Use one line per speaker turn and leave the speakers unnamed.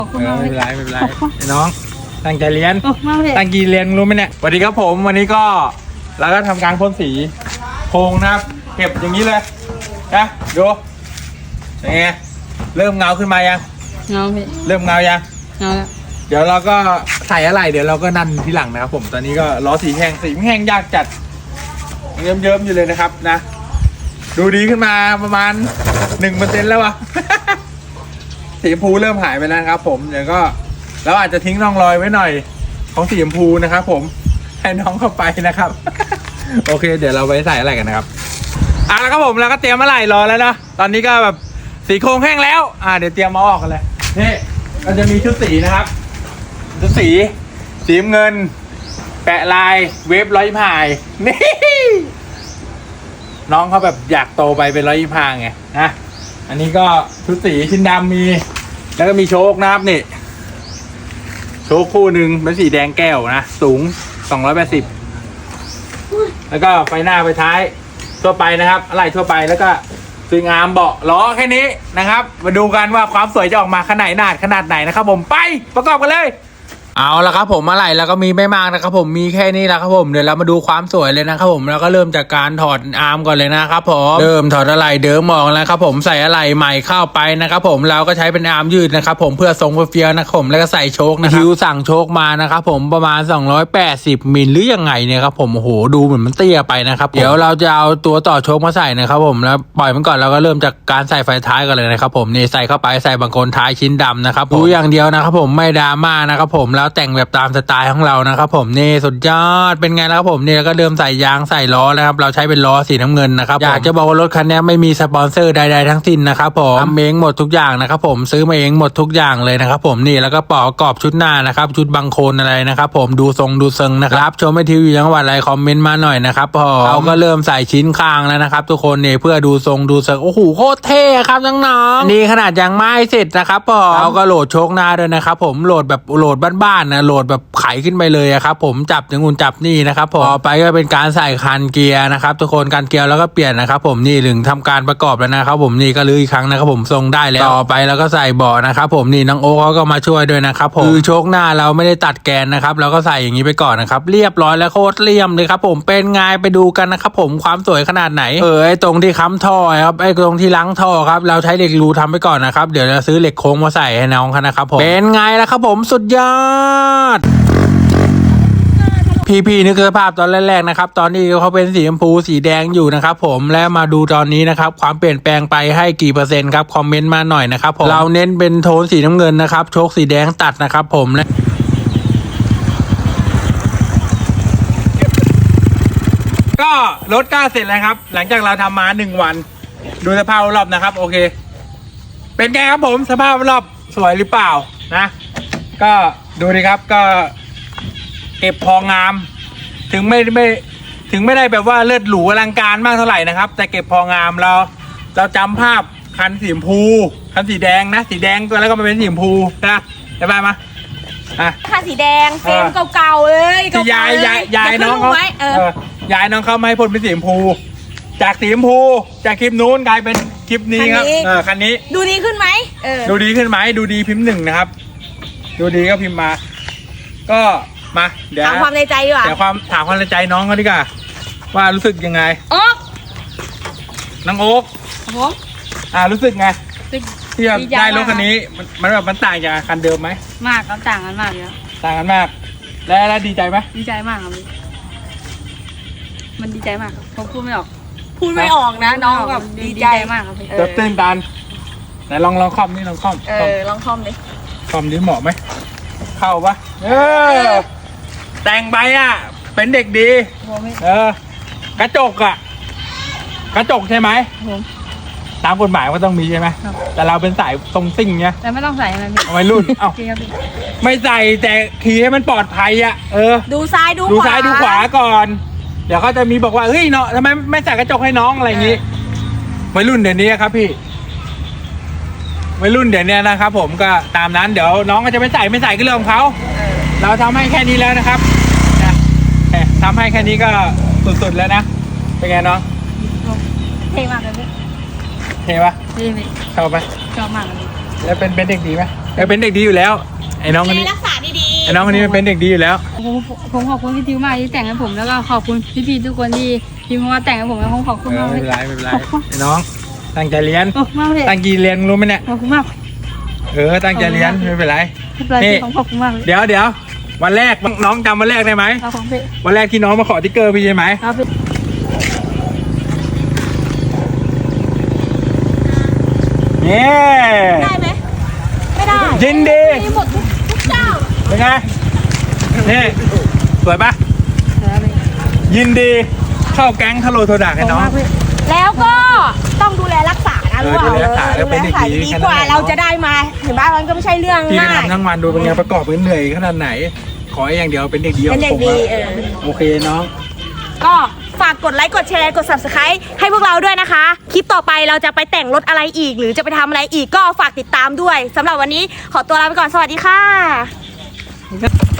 ไม่เป็นไรไม่เป็นไรน้องตั้งใจเรียน ตั้งใจเรียนรู้ไหมเนี่ยสวัสดีครับผมวันนี้ก็เราก็ทำการพ่นสีโครงนะครับเก็บอย่างนี้เลยนะดูยังไงเริ่มเงาขึ้นมายัง
เงาพี่
เริ่มเงายัง
เงาแล้ว
เดี๋ยวเราก็ใส่อะไรเดี๋ยวเราก็นั่นที่หลังนะครับผมตอนนี้ก็ล้อสีแห้งยากจัดเยิ้มๆอยู่เลยนะครับนะดูดีขึ้นมาประมาณ 1% แล้ววะ สีชมพูเริ่มหายไปแล้วครับผมเดี๋ยวก็เราอาจจะทิ้งร่องรอยไว้หน่อยของสีชมพูนะครับผมให้น้องเข้าไปนะครับ โอเคเดี๋ยวเราไปใส่อะไรกันนะครับแล้วครับผมเราก็เตรียมอะไรรอแล้วนะตอนนี้ก็แบบสีโครงแห้งแล้วเดี๋ยวเตรียมมาออกกันเลยนี่ก็จะมีชุดสีนะครับชุดสีน้ำเงินแปะลายเวฟ125นี่น้องเขาแบบอยากโตไปเป็น125ไงนะอันนี้ก็ชุดสีชิ้นดำมีแล้วก็มีโชคนะครับนี่โชคคู่หนึ่งเป็นสีแดงแก้วนะสูง280แล้วก็ไฟหน้าไฟท้ายทั่วไปนะครับอะไรทั่วไปแล้วก็สวยงามเบาะล้อแค่นี้นะครับมาดูกันว่าความสวยจะออกมาขนาดไหนนะครับผมไปประกอบกันเลยเอาละครับผมอะไรแล้วก็มีไม่มากนะครับผมมีแค่นี้แหละครับผมเดี๋ยวเรามาดูความสวยเลยนะครับผมแล้วก็เริ่มจากการถอดอาร์มก่อนเลยนะครับผมเริ่มถอดอะไรเดิมออกแล้วครับผมใส่อะไรใหม่เข้าไปนะครับผมเราก็ใช้เป็นอาร์มยืดนะครับผมเพื่อทรงเฟี้ยวนะครับผมแล้วก็ใส่โชคนะครับคิวสั่งโชคมานะครับผมประมาณ280มิลหรือยังไงเนี่ยครับผมโอ้โหดูเหมือนมันเตี้ยไปนะครับเดี๋ยวเราจะเอาตัวต่อโชคมาใส่นะครับผมแล้วปล่อยมันก่อนแล้วก็เริ่มจากการใส่ไฟท้ายกันเลยนะครับผมนี่ใส่เข้าไปใส่บางคนท้ายชิ้นดำนะครับดูอย่างเดียวนะครับผมไม่ดราม่านะครับผมแล้วแต่งแบบตามสไตล์ของเรานะครับผมนี่สุดยอดเป็นไงแล้วครับผมนี่แล้วก็เริ่มใส่ยางใส่ล้อแล้วครับเราใช้เป็นล้อสีน้ำเงินนะครับอยากจะบอกว่ารถคันนี้ไม่มีสปอนเซอร์ใดๆทั้งสิ้นนะครับผมทำเองหมดทุกอย่างนะครับผมซื้อมาเองหมดทุกอย่างเลยนะครับผมนี่แล้วก็ประกอบชุดหน้านะครับชุดบังโคลนอะไรนะครับผมดูทรงดูเซิงนะครับชมไม่ทีวีจังหวัดอะไรคอมเมนต์มาหน่อยนะครับพอเราก็เริ่มใส่ชิ้นข้างแล้วนะครับทุกคนนี่เพื่อดูทรงดูเซิงโอ้โหโคตรเท่ครับน้องๆนี่ขนาดยังไม่เสร็จนะครับพอเราก็โหลดโชคหน้าด้วยนะครับผมโหลดแบบโหลดบ้านๆนะโหลดแบบไขขึ้นไปเลยครับผมจับอย่างงูจับนี่นะครับพอไปก็เป็นการใส่คันเกียร์นะครับทุกคนการเกียร์แล้วก็เปลี่ยนนะครับผมนี่ถึงทำการประกอบแล้วนะครับผมนี่ก็ลื้ออีกครั้งนะครับผมทรงได้แล้วต่อไปแล้วก็ใส่เบาะนะครับผมนี่น้องโอ๊คเขาก็มาช่วยด้วยนะครับผมคือโชคหน้าเราไม่ได้ตัดแกนนะครับเราก็ใส่อย่างนี้ไปก่อนนะครับเรียบร้อยแล้วโคตรเลี่ยมเลยครับผมเป็นไงไปดูกันนะครับผมความสวยขนาดไหนไอ้ตรงที่ค้ำท่อครับไอ้ตรงที่ล้างท่อครับเราใช้เหล็กรูทำไปก่อนนะครับเดี๋ยวจะซื้อเหล็กโค้งมาใส่ให้น้องเขานะครับผมเป็นไงล่ะครับผมสุดยอดพี่นึกสภาพตอนแรกๆนะครับตอนนี้เขาเป็นสีชมพูสีแดงอยู่นะครับผมและมาดูตอนนี้นะครับความเปลี่ยนแปลงไปให้กี่เปอร์เซ็นต์ครับคอมเมนต์มาหน่อยนะครับผมเราเน้นเป็นโทนสีน้ำเงินนะครับโชคสีแดงตัดนะครับผมและก็รถก้าเสร็จแล้วครับหลังจากเราทำมา1 วันดูสภาพรอบนะครับโอเคเป็นไงครับผมสภาพรอบสวยหรือเปล่านะก็ดูดิครับก็เก็บพองามถึงไม่ได้แบบว่าเลิศหรูอลังการมากเท่าไหร่นะครับแต่เก็บพองามเราจำภาพคันสีชมพูคันสีแดงนะสีแดงตัวแล้วก็มาเป็นสีชมพูนะได้ไหม
คันสีแดงเฟรมเก่าๆเลย
ที่ยายน้องเขายายน้องเขาไม่ให้พ่นเป็นสีชมพูจากสีชมพูจากคลิปนู้นกลายเป็นคลิปนี้ครับคันนี้
ดูดีขึ้นไหม
ดูดีขึ้นไหมดูดีพิมพ์1นะครับดูดีก็พิมพ์มาก็มาเดี๋ยว
ถามความในใจดีกว่า
เดี๋ยวถามความในใจน้องเขาดีกว่าว่ารู้สึกยังไง
โอ๊ก
น้องโอ๊ก
ผม
รู้สึกไงที่ได้รถคันนี้มันแบบมันต่างจากคันเดิมไหม
มากครับต่างกันมากเลย
ต่างกันมากแล้วดีใจไหม
ดีใจมากครับมันดีใจมากครับผมพูดไม่ออกนะน้องแบบดีใจมากครับ
ตื่นตันไหนลองคอมนี่ลองคอม
ลองคอมดิ
คอมนี้เหมาะไหมเข้าปะแต่งไปเป็นเด็กดีกระจกใช่ไหมตามกฎหมายก็ต้องมีใช่ไหมแต่เราเป็นสายตรงซิ่งเนี้ย
แต่ไม่ต้องใส่อะไร
วัยรุ่นไม่ใส่แต่ขี่ให้มันปลอดภัย
ดูซ้ายดู
ขวาก่อนเดี๋ยวเขาจะมีบอกว่าเฮ้ยเนาะทำไมไม่ใส่กระจกให้น้องอะไรอย่างนี้วัยรุ่นเดี๋ยวนี้ครับพี่วัยรุ่นเดี๋ยวนี้นะครับผมก็ตามนั้นเดี๋ยวน้องก็จะไม่ใส่ก็เรื่องของเขาเราทำให้แค่นี้แล้วนะครับทำให้แค่นี้ก็สุดๆแล้วนะเป็นไงน้อง
เท่มากเลยพี่
เท่ปะ
เท่
ชอบไหม
ชอบมากเลย
แล้วเป็นเด็กดีไหมแกเป็นเด็กดีอยู่แล้วไอ้น้องคนนี้
รักษาดีๆ
ไอ้น้องคนนี้มันเป็นเด็กดีอยู่แล้ว
ผมขอบคุณพี่ทิวมากที่แต่งให้ผมแล้วก็ขอบคุณพี่ๆทุกคนที่พิมพ์มาแต่งให้ผมแล้วผมขอบคุณมาก
ไม่เป็นไรไม่เป็นไรไอ้น้องตั้งใจเรียน
โอ้มากเลย
ตั้งใจเรียนรู้ไหมเนี่ย
ขอบคุณมาก
ตั้งใจเรียนไม่เป็นไร
ไม่เป็นไร
นี่
ผมขอบคุณมากเลย
เดี๋ยววันแรกน้องจำวันแรกได้ไหม
ครับผมพี่
วันแรกที่น้องมาขอติ๊กเกอร์พี่ใช่ไหม
ครับพี่
นี่
ได้ไหมไม่ได้
ยินดี
มีหมดทุกเจ้า
เป็นไงนี่สวยปะ
ครับพี่
ยินดีเข้าแก๊งทะโลโทดา
ข
ให้
อบคุณ
น้อง
มากพี่
แล้วก็ต้องดูแลรักษานะ
ดูแลรักษาแล้วเป็นเด็กดี
ดีกว่าเราจะได้มาเห็นบ้านมันก็ไม่ใช่เรื่อง
พี่ไป
ง่าย
ทำทั้งวันดูเป็นไงประกอบเป็นเหนื่อยขนาดไหน ขอให้อย่างเดียวเป็นเด็กดีข
เป็
อน ง
เด็ก
ผม
ดี
อะโอเคน้อง
ก็ฝากกดไลค์กดแชร์กด subscribe ให้พวกเราด้วยนะคะ คลิปต่อไปเราจะไปแต่งรถอะไรอีก หรือจะไปทำอะไรอีกก็ฝากติดตามด้วยสำหรับวันนี้ขอตัวลาไปก่อนสวัสดีค่ะ